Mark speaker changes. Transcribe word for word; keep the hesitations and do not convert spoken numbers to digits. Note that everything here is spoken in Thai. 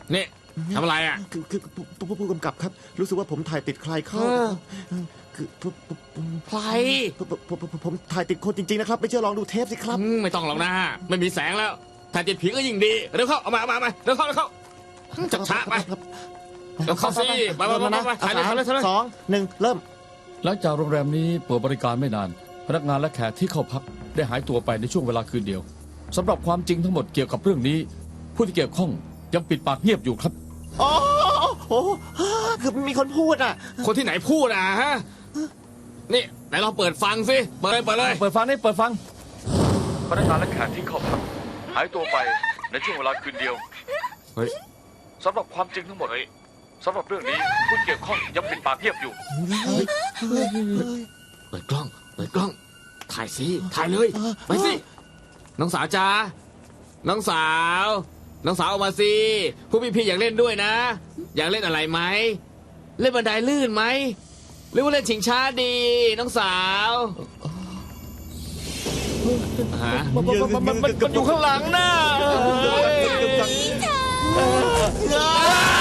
Speaker 1: นี่ทำอะไรอ่ะ
Speaker 2: คือคือผู้ผู้ผู้กำกับครับ รู้สึกว่าผมถ่ายติดใครเข้า
Speaker 1: เออ
Speaker 2: คือผมผมผม
Speaker 1: ใคร
Speaker 2: ผมผมผมผมถ่ายติดคนจริงๆนะครับ ไม่เชื่อลองดูเทปสิครับ
Speaker 1: อืมไม่ต้องหรอกนะไม่มีแสงแล้วถ่ายติดผีก็ยิ่งดีเร็วเข้าเอามาเอามาเอามาเร็วเข้าเร็วเข้าจับช้าไปเร็วเข้าสิไปไปไปไปถ่ายเลยถ่ายเลยถ่ายเลย
Speaker 2: สองหนึ่งเริ่ม
Speaker 3: หลังจากโรงแรมนี้เปิดบริการไม่นาน พนักงานและแขกที่เข้าพักได้หายตัวไปในช่วงเวลาคืนเดียวสำหรับความจริงทั้งหมดเกี่ยวกับเรื่องนี้ ผู้ที่เกี่ยวข้องยังปิดปากเงียบอยู่ครับ
Speaker 2: อ๋อโอ้คือมีคนพูดอ่ะ
Speaker 1: คนที่ไหนพูดอ่ะฮะนี่ไหนลองเปิดฟังสิเปิดเลยเปิดเลย
Speaker 3: เปิดฟังนี่เปิดฟังพนักงานและแขกที่เข้าพักหายตัวไปในช่วงเวลาคืนเดียว
Speaker 1: เฮ้ย
Speaker 3: สำหรับความจริงทั้งหมดสำหรับเรื่องนี้ผู้ที่เกี่ยวข้องยังปิดปากเงียบอยู่
Speaker 1: เปิดกล้องเปิดกล้องถ่ายสิถ่ายเลยไปสิน้องสาวจ้าน้องสาวน้องสาวออกมาสิผู้พี่พี่อยากเล่นด้วยนะ อยากเล่นอะไรไหมเล่นบันไดลื่นไหมหรือว่าเล่นชิงช้าดี น้องสาวฮะ
Speaker 3: มันมันมันมันมันอยู่ข้างหลังน่ะ
Speaker 2: เออ